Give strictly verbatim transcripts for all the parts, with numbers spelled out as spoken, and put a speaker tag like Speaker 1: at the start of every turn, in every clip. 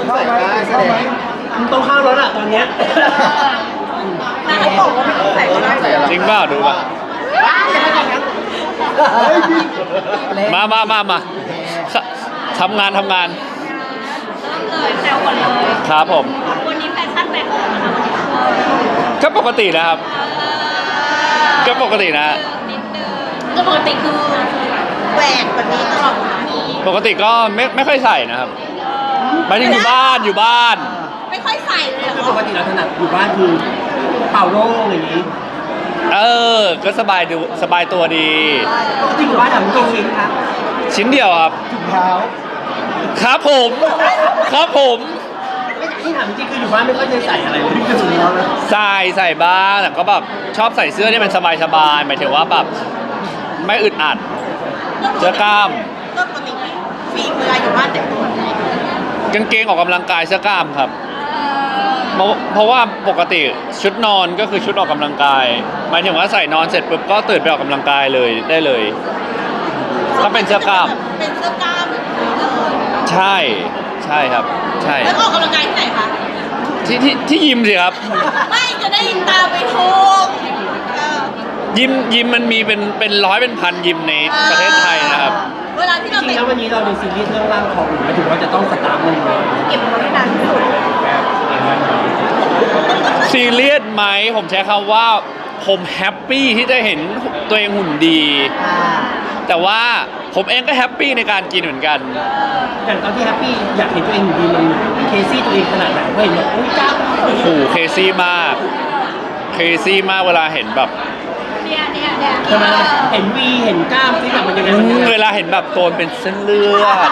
Speaker 1: เข้าไหมแสดง
Speaker 2: มันต้องเข้าแล้วล่ะตอนเนี้ย
Speaker 3: นางเขาบอกว่าไม่ต้องใส่ก็ได้
Speaker 4: จริงเปล่าดูป่ะมามามามาทำงานทำงาน
Speaker 3: เลยแซวก่อนเลย
Speaker 4: ครับผม
Speaker 3: วันนี้แฟชั่นแบกของนะคะ
Speaker 4: ก็ปกตินะครับ ก็ปกตินะ
Speaker 3: นิดนึงก็ปกติคือแหวกแบบนี้ตลอด
Speaker 4: ปกติก็ไม่ไม่ค่อยใส่นะครับหมายถึงอยู่บ้านอยู่บ้าน
Speaker 3: ไม่ค่อยใส่เลย
Speaker 2: คือ
Speaker 3: เหร
Speaker 2: ป
Speaker 3: อก
Speaker 2: ติเราถนัดอยู่บ้านคือเป่าโล่งอย่างนี้
Speaker 4: เออ ก็สบายดูสบายตัวดี
Speaker 2: ปกติอยู่บ้านทำกี่ชิ้นครับ
Speaker 4: ชิ้นเดียวครับ
Speaker 1: ถุงเท้า
Speaker 4: ครับผม ครับผม
Speaker 2: ไม่ที่ถามจริงคืออยู่บ้านไม่ค่อยจะใส่อะไรเลยถุงเท้านะ
Speaker 4: ใส่ใส่บ้างแต่ก็แบบชอบใส่เสื้อที่มันสบายสบายหมายถึงว่าแบบไม่อึดอัดเสื้อกล้าม
Speaker 3: ก็ปกติฟีเวลาอยู่บ้านแต่งตัว
Speaker 4: กางเกงออกกำลังกายเสื้อกล้ามครับเพราะเพราะว่าปกติชุดนอนก็คือชุดออกกำลังกายหมายถึงว่าใส่นอนเสร็จปุ๊บก็ตื่นไปออกกำลังกายเลยได้เลยถ้าเป็นเสื้อกล้าม
Speaker 3: เป็นเสื้อกล้ามแบบนี้เลย
Speaker 4: ใช่ใช่ครับใช่
Speaker 3: แล้วออกกำลังกายที่ไหนคะ
Speaker 4: ที่ที่ที่ยิมสิครับ
Speaker 3: ไม่จะได้ตามไปโทงเออ
Speaker 4: ยิมยิมมันมีเป็นเป็นร้อยเป็นพันยิมในประเทศไทยนะครับ
Speaker 3: เวลาที่
Speaker 2: จ
Speaker 3: เรา
Speaker 2: ริ
Speaker 3: แต่
Speaker 2: ง
Speaker 3: ง
Speaker 2: ๆแล้ววันนี้เราในซีรีส์เรื่องร่างทองหมายถึงว่าจะต้องสตาร์ทมันเลย
Speaker 3: เก็บมันไว้นานที่สุด
Speaker 4: ซีเรียสไหมผมใช้คำว่าผมแฮปปี้ที่จะเห็นตัวเองหุ่นดี แต่ว่าผมเองก็แฮปปี้ในการกินเหมือนกัน
Speaker 2: อย่างตอนที่แฮปปี้อยากเห็นตัวเองอยู่ดีมันเคซี่ตัวเองขนาดไหนเพราะเห็นแบบอุ้ยกล้าม
Speaker 4: โอ้โหเคซี่มากเคซี่มากเวลาเห็นแบบ
Speaker 3: เนี่ยเนี่ยเนี่ย
Speaker 2: ทำไมล่ะเห็นวีเห็นกล้ามที่แบบมันยังไงมันยังไง
Speaker 4: เวลาเห็นแบบโตนเป็นเส้นเลือด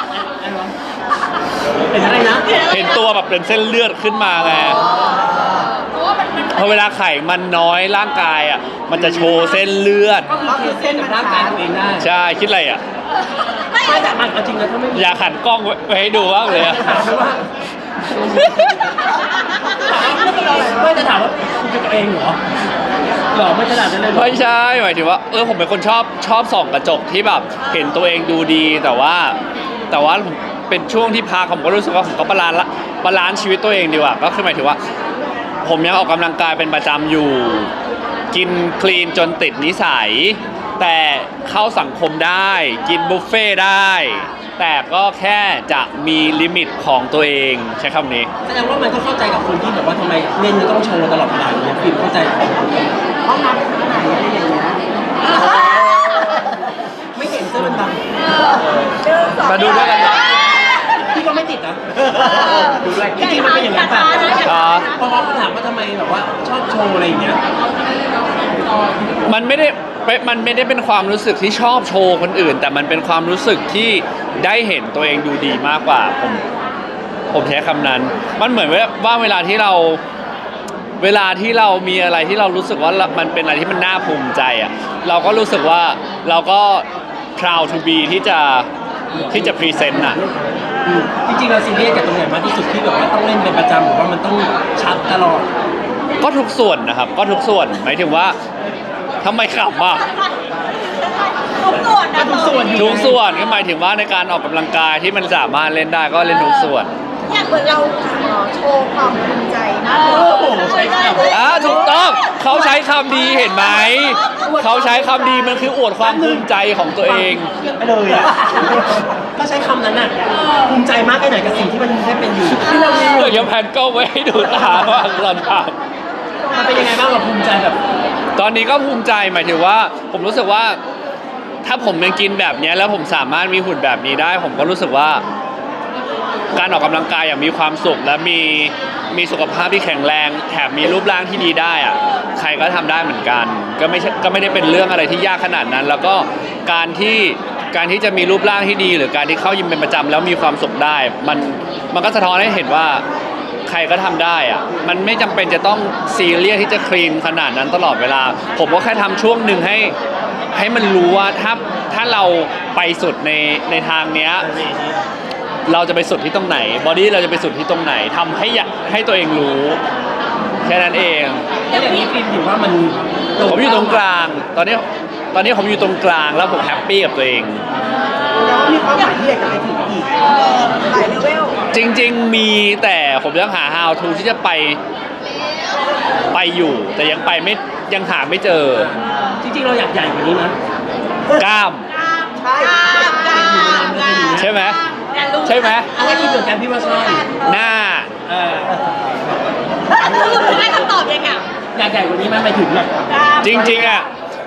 Speaker 2: เห็นอะไรนะ
Speaker 4: เห็นตัวแบบเป็นเส้นเลือดขึ้นมาไง
Speaker 3: เพราะว่ามันมัน
Speaker 4: พอเวลาไข่มันน้อยร่างกายอ่ะมันจะโชว์เส้นเลือด
Speaker 2: ก็คือเคเส้นกับร่างกายตัวเองได้
Speaker 4: ใช่คิดอะไรอ่ะ
Speaker 3: ไม่
Speaker 2: ไม่แต่มันเอาจริงนะถ้าไม่มี
Speaker 4: อยากหันกล้องไว้ให้ดูบ้างเลยอะ
Speaker 2: ถามว่าไม่จะถามว่าคุณเป็นตัวเองเหรอหรอไม่ขนาดนั้นเลยเหรอ
Speaker 4: ไม่ใช่หมายถึงว่าเออผมเป็นคนชอบชอบส่องกระจกที่แบบเห็นตัวเองดูดีแต่ว่าแต่ว่าผมเป็นช่วงที่พักผมก็รู้สึกว่าผมก็บาลานซ์ละบาลานซ์ชีวิตตัวเองดีกว่าก็คือหมายถึงว่า ผมยังออกกำลังกายเป็นประจำอยู่ กินคลีนจนติดนิสัย แต่เข้าสังคมได้กินบุฟเฟ่ได้ แต่ก็แค่จะมีลิมิตของตัวเองใช้คำนี้
Speaker 2: แสดงว่ามันก็เข้าใจกับคนที่แบบว่าทำไมเล่นจะต้องโชว์ตลอดเวลาอย่างเงี้ยฟิล์มเข้าใจ
Speaker 1: ห้องน้ำเป็นที่ไหนอะไรอย่างเงี้ย
Speaker 2: ไม่เห็นเสื้อมันด
Speaker 4: มาดูด้วยกันนะ
Speaker 2: ำพี่ก็ไม่ติดนะดูด้วยจริงๆมันเป็นอย่างนั้นป่ะ
Speaker 4: อ๋อ
Speaker 2: พอเขาถามว่าทำไมแบบว่าชอบโชว์อะไรอย่างเงี้ย
Speaker 4: มันไม่ได้มันไม่ได้เป็นความรู้สึกที่ชอบโชว์คนอื่น แต่มันเป็นความรู้สึกที่ได้เห็นตัวเองดูดีมากกว่าผมผมใช้คำนั้น มันเหมือนว่าเวลาที่เราเวลาที่เรามีอะไรที่เรารู้สึกว่ามันเป็นอะไรที่มันน่าภูมิใจอ่ะเราก็รู้สึกว่าเราก็ proud to be ที่จะที่จะ present อ่ะ
Speaker 2: อืมจริงๆเราซีเรียสกับตรงไหนมากที่สุดที่แบบว่าต้องเล่นเป็นประจำหรือว่ามันต้องชัดตลอด
Speaker 4: ก็ทุกส่วนนะครับ ก็ทุกส่วนหมายถึงว่าทำไมขำอ่ะ
Speaker 3: ทุกส่วนนะ
Speaker 2: ทุกส่วน
Speaker 4: ทุกส่วนก็หมายถึงว่าในการออกกำลังกายที่มันสามารถเล่นได้ก็เล่นทุกส่วน
Speaker 3: อยากเหมือนเราโชว์ความภูมิใจนะ
Speaker 2: โอ้โหใช่ครับ
Speaker 4: อ่าถูกต้องเขาใช้คำดีเห็นไหมเขาใช้คำดีมันคืออวดความภูมิใจของตัวเอง
Speaker 2: ไปเลยอ่ะถ้าใช้คำนั้นน่ะภูมิใจมากแค่ไหนกับสิ่งที่มันได้เป็นอยู่
Speaker 4: เดี๋ยวจะแพนกล้องไว้ให้ดูตาว่าเราท
Speaker 2: มันเป็นยังไงบ้างเราภูมิใจแบบ
Speaker 4: ำตอนนี้ก็ภูมิใจหมายถึงว่า ผมรู้สึกว่า ถ้าผมยังกินแบบนี้แล้วผมสามารถมีหุ่นแบบนี้ได้ ผมก็รู้สึกว่า การออกกำลังกายอย่างมีความสุขและมีมีสุขภาพที่แข็งแรงแถมมีรูปร่างที่ดีได้อะใครก็ทำได้เหมือนกัน ก็ไม่ใช่ก็ไม่ได้เป็นเรื่องอะไรที่ยากขนาดนั้น แล้วก็การที่การที่จะมีรูปร่างที่ดี หรือการที่เข้ายิมเป็นประจำแล้วมีความสุขได้ มันมันก็สะท้อนให้เห็นว่าใครก็ทำได้อะมันไม่จำเป็นจะต้องซีเรียสที่จะคลีนขนาดนั้นตลอดเวลา ผมก็แค่ทำช่วงหนึ่งให้ให้มันรู้ว่าถ้าถ้าเราไปสุดในในทางเนี้ย เราจะไปสุดที่ตรงไหนบอดี้เราจะไปสุดที่ตรงไหนทำให้อยากให้ตัวเองรู้แค่นั้นเอง
Speaker 2: แล้วอย่างนี้ฟิล์มถือว่ามัน
Speaker 4: ผมอยู่ตรงกลาง ตอนนี้ตอนนี้ผมอยู่ตรงกลางแล้วผมแฮปปี้กับตัวเอง
Speaker 1: แล้วมีความหมายที่อยากจะไปถึงอีก
Speaker 3: หลายเลเวล
Speaker 4: จริงๆมีแต่ผมยังหา how to ที่จะไปไปอยู่ แต่ยังไปไม่ยังหาไม่เจอ
Speaker 2: จริงๆเราอยากใหญ่กว่านี้นะ
Speaker 4: กล้าม
Speaker 1: ใช่
Speaker 4: ใช่ไหมใช่ไหม
Speaker 2: อะไรคิดเหมือนกันพี่ว่าใช่
Speaker 4: หน้า
Speaker 2: เออ
Speaker 3: สรุปจะได้คำตอบยังไง
Speaker 2: อยากใหญ่กว่านี้ไหมหมายถึงแบบ
Speaker 4: จริงๆอ่ะ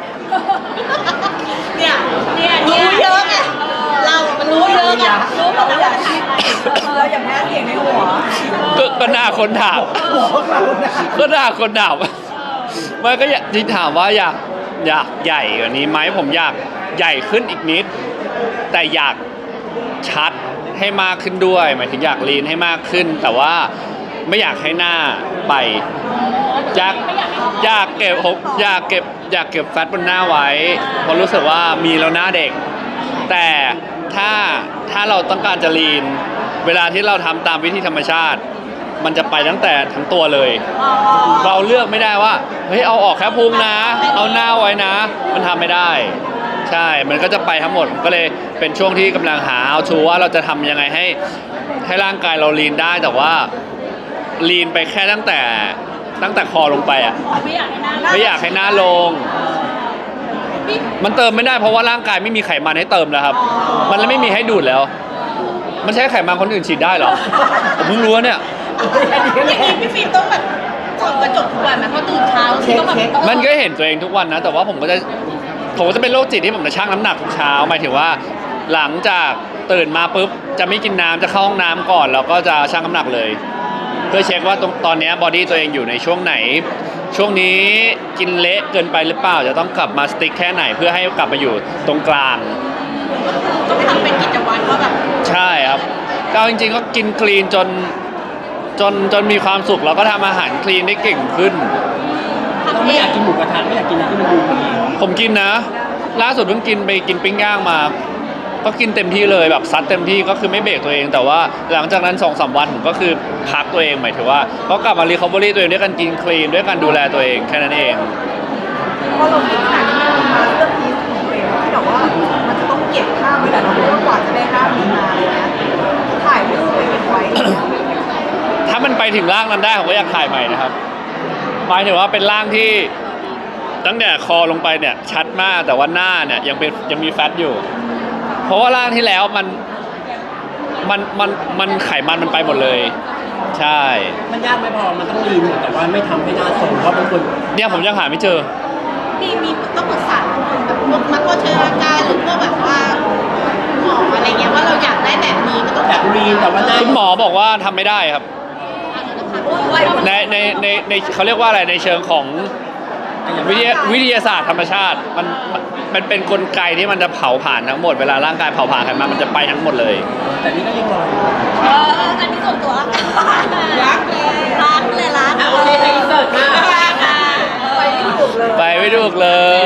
Speaker 3: เนี่ยเนี่ยรู้เยอะไงเรา มันรู้เยอะไงรู้หมดแล้วว่าจะถามอะไรเราอย่าแพ้เสียงในหัว
Speaker 4: ก็ก็หน้าคนถามก็หน้าคนถามไม่ก็อยากที่ถามว่าอยากอยากใหญ่กว่านี้ไหมผมอยากใหญ่ขึ้นอีกนิด แต่อยากชัดให้มากขึ้นด้วย หมายถึงอยากลีนให้มากขึ้น แต่ว่าไม่อยากให้หน้าไปอยากอยากเก็บอยากเก็บอยากเก็บแฟตบนหน้าไว้เพราะรู้สึกว่ามีแล้วหน้าเด็ก แต่ถ้าถ้าเราต้องการจะลีนเวลาที่เราทำตามวิธีธรรมชาติ มันจะไปตั้งแต่ทั้งตัวเลย เราเลือกไม่ได้ว่าเฮ้ยเอาออกแค่พุงนะ เอาหน้าไว้นะ มันทำไม่ได้ ใช่มันก็จะไปทั้งหมดผมก็เลยเป็นช่วงที่กำลังหาเอาชูว่าเราจะทำยังไงให้ให้ร่างกายเราลีนได้แต่ว่าลีนไปแค่ตั้งแต่ตั้งแต่คอลงไปอ่ะ
Speaker 3: ไม่อยากให้หน้า
Speaker 4: ไม่อยากให้หน้าลง มันเติมไม่ได้เพราะว่าร่างกายไม่มีไขมันให้เติมแล้วครับ มันเลยไม่มีให้ดูดแล้ว มันใช้ไขมันคนอื่นฉีดได้เหรอผมเพิ่งรู้เนี่ย
Speaker 3: อย่างนี้พี่ฟิล์มต้องแบบส่องกระจกทุกวันไหมเพราะตื่นเช้าต้องแบบ
Speaker 4: มันก็เห็นตัวเองทุกวันนะ แต่ว่าผมก็จะผมก็จะเป็นโรคจิตที่ผมจะชั่งน้ำหนักทุกเช้าหมายถึงว่าหลังจากตื่นมาปุ๊บจะไม่กินน้ำจะเข้าห้องน้ำก่อนแล้วก็จะชั่งน้ำหนักเลย เพื่อเช็คว่าตรงตอนนี้บอดี้ตัวเองอยู่ในช่วงไหน ช่วงนี้กินเละเกินไปหรือเปล่าจะต้องกลับมาสติ๊กแค่ไหนเพื่อให้กลับมาอยู่ตรงกลาง
Speaker 3: ต้องทำเป็นกิจวัตรเพราะแบบ
Speaker 4: ใช่ครับก็จริงๆก็กินคลีนจนจนจนมีความสุขแล้วก็ทำอาหารคลีนได้เก่งขึ้น
Speaker 2: เราไม่อยากกินหมูกระทะไม่อยากกินอะไรที่มันดูดี
Speaker 4: ผมกินนะ ล่าสุดเพิ่งกินไปกินปิ้งย่างมา ก็กินเต็มที่เลยแบบซัดเต็มที่ก็คือไม่เบรกตัวเอง แต่ว่าหลังจากนั้น สองสาม วันผมก็คือพักตัวเองหมายถึงว่าก็กลับมารีคอเวอรี่ตัวเองด้วยการกินคลีนด้วยการดูแลตัวเองแค่นั้นเอง
Speaker 1: พอเราคิดขนาดนี้มันมาเรื่องนี้ของตัวเองที่แบบว่ามันจะต้องเก็บภาพไว้แต่เราไม่ว่ากว่าจะได้ภาพนี้มาอะไรเงี้ยถ่ายรูปไปเก็บไว้
Speaker 4: ถ้ามันไปถึงร่างนั้นได้ผมก็อยากถ่ายใหม่นะครับหมายถึงว่าเป็นร่างที่ตั้งแต่คอลงไปเนี่ยชัดมากแต่ว่าหน้าเนี่ยยังเป็นยังมีแฟตอยู่ เพราะว่าร่างที่แล้วมันมันมันมันไขมันมันไปหมดเลย ใช่
Speaker 2: มันยากไม่พอมันต้องลีนแต่ว่าไม่ทำให้หน้าทรงเพราะบางคน
Speaker 4: เนี่ยผมยังหาไม่เจอ
Speaker 3: มีมีต้องปรึกษาคนแบบพวกนักโภชนาการหรือพวกแบบว่าหมออะไรเงี้ยว่าเราอยากได้แบบนี้ก็ต้อง
Speaker 2: แบบลีนแต่ว่าหน้า
Speaker 4: คุณหมอบอกว่าทำไม่ได้ครับ ในในในในเขาเรียกว่าอะไรในเชิงของวิทยาวิทยาศาสตร์ธรรมชาติมันมันมันเป็นกลไกที่มันจะเผาผ่านทั้งหมดเวลาร่างกายเผาผ่านไขมันมันจะไปทั้งหมดเลย
Speaker 2: แต่นี่ก็ยังรออยู่
Speaker 3: เอออันนี้ส่วนตัวรักเลยรักเลยรัก
Speaker 2: อ่ะโอเคไปอินเสิร์ตมา
Speaker 3: รักอ่ะ
Speaker 1: ไปไม่ถูกเลย
Speaker 4: ไปไม่ถูกเลย